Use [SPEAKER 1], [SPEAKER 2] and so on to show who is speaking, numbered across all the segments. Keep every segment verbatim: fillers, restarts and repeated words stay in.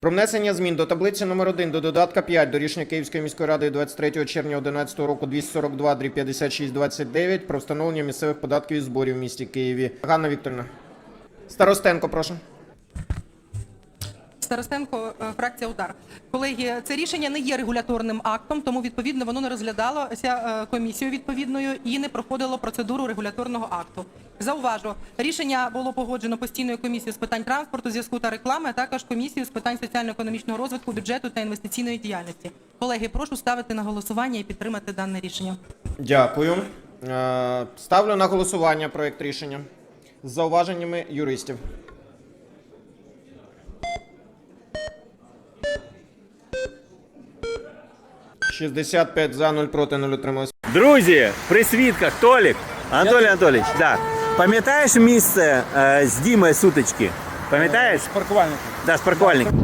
[SPEAKER 1] Про внесення змін до таблиці номер один до додатка п'ять до рішення Київської міської ради двадцять третього червня одинадцятого року двісті сорок два дріб п'ятдесят шість двадцять дев'ять про встановлення місцевих податків і зборів в місті Києві. Ганна Вікторівна. Старостенко, прошу.
[SPEAKER 2] Старостенко, фракція «Удар». Колеги, це рішення не є регуляторним актом, тому, відповідно, воно не розглядалося комісією відповідною і не проходило процедуру регуляторного акту. Зауважу, рішення було погоджено постійною комісією з питань транспорту, зв'язку та реклами, а також комісією з питань соціально-економічного розвитку, бюджету та інвестиційної діяльності. Колеги, прошу ставити на голосування і підтримати дане рішення.
[SPEAKER 1] Дякую. Ставлю на голосування проєкт рішення з зауваженнями юристів. шістдесят п'ять за, нуль проти, нуль утрималось.
[SPEAKER 3] Друзі, при свідках, Толік, Анатолій Анатолійович, да. Пам'ятаєш місце е, з Дімою сутички? Пам'ятаєш?
[SPEAKER 4] З паркувальником.
[SPEAKER 3] Да, з паркувальником.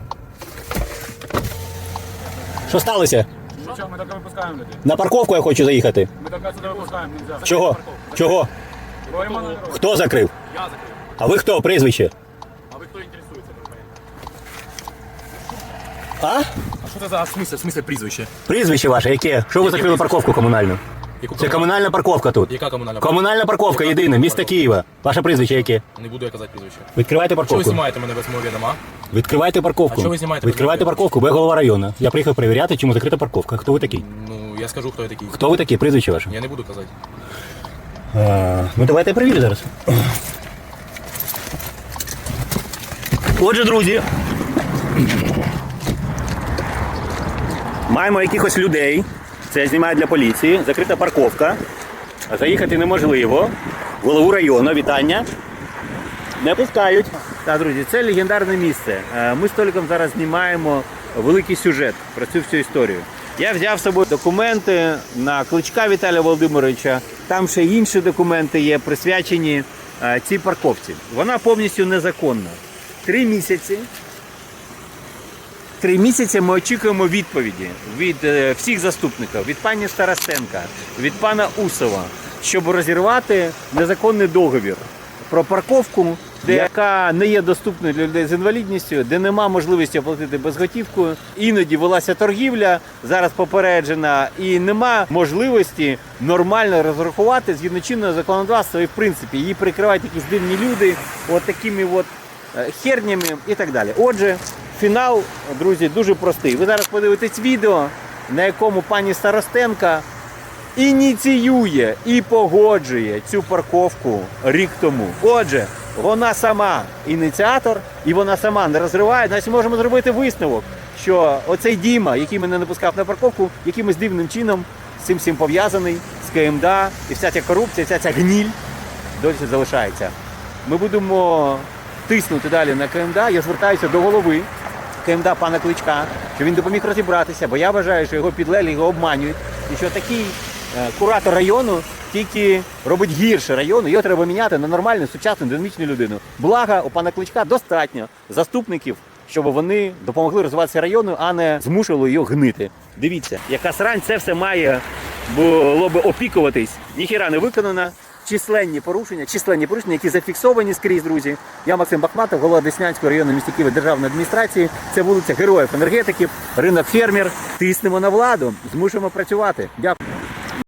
[SPEAKER 5] Що сталося?
[SPEAKER 4] Що, ми тільки випускаємо людей.
[SPEAKER 5] На парковку я хочу заїхати.
[SPEAKER 4] Ми тільки сюди випускаємо, нельзя.
[SPEAKER 5] Чого? Чого?
[SPEAKER 4] Говоримо на дорогу.
[SPEAKER 5] Хто закрив?
[SPEAKER 4] Я закрив.
[SPEAKER 5] А ви хто? Прізвище?
[SPEAKER 4] А ви хто інтересується?
[SPEAKER 5] А?
[SPEAKER 6] А що це за смисл, смисл прізвище?
[SPEAKER 5] Прізвище ваше яке? Що ви закрили парковку комунальну?
[SPEAKER 6] Яку
[SPEAKER 5] Це комунальна парковка тут.
[SPEAKER 6] Яка комунальна?
[SPEAKER 5] Комунальна парковка єдина, місто Києва. Ваше прізвище яке?
[SPEAKER 6] Не буду я казати прізвище.
[SPEAKER 5] Відкривайте
[SPEAKER 6] Що ви
[SPEAKER 5] парковку.
[SPEAKER 6] знімаєте мене без мого відома?
[SPEAKER 5] Відкривайте парковку.
[SPEAKER 6] А що ви знімаєте?
[SPEAKER 5] Відкривайте парковку, бо я голова району. Я приїхав перевіряти, чому закрита парковка. Хто ви такий?
[SPEAKER 6] Ну, я скажу, хто я такий.
[SPEAKER 5] Хто ви такий? Прізвище ваше?
[SPEAKER 6] Я не буду казати.
[SPEAKER 5] А, ну давайте я перевірю зараз. Отже, друзі, маємо якихось людей. Це я знімаю для поліції. Закрита парковка. Заїхати неможливо. Голову району, вітання. Не пускають.
[SPEAKER 3] Так, друзі, це легендарне місце. Е, Ми з Толіком зараз знімаємо великий сюжет про цю всю історію. Я взяв з собою документи на Кличка Віталія Володимировича. Там ще інші документи є, присвячені е, цій парковці. Вона повністю незаконна. Три місяці. Три місяці ми очікуємо відповіді від е, всіх заступників, від пані Старостенка, від пана Усова, щоб розірвати незаконний договір про парковку, де, яка не є доступною для людей з інвалідністю, де нема можливості оплатити безготівкою. Іноді велася торгівля, зараз попереджена, і нема можливості нормально розрахувати згідно чинного законодавства, і в принципі її прикривають якісь дивні люди, от такими от хернями і так далі. Отже, фінал, друзі, дуже простий. Ви зараз подивитесь відео, на якому пані Старостенка ініціює і погоджує цю парковку рік тому. Отже, вона сама ініціатор, і вона сама не розриває. Значить, можемо зробити висновок, що оцей Діма, який мене не пускав на парковку, якимось дивним чином з цим всім пов'язаний, з КМДА, і вся ця корупція, вся ця гніль досі залишається. Ми будемо тиснути далі на КМДА. Я звертаюся до голови КМДА пана Кличка, щоб він допоміг розібратися, бо я вважаю, що його підлеглі його обманюють, і що такий е, куратор району тільки робить гірше району, його треба міняти на нормальну, сучасну, динамічну людину. Благо, у пана Кличка достатньо заступників, щоб вони допомогли розвиватися району, а не змушували його гнити. Дивіться, яка срань, це все має було би опікуватись. Ніхіра не виконано. Численні порушення, численні порушення, які зафіксовані скрізь, друзі. Я Максим Бахматов, голова Деснянського району міста Києва державної адміністрації. Це вулиця Героїв енергетиків, ринок фермер. Тиснемо на владу, змушуємо працювати. Дякую.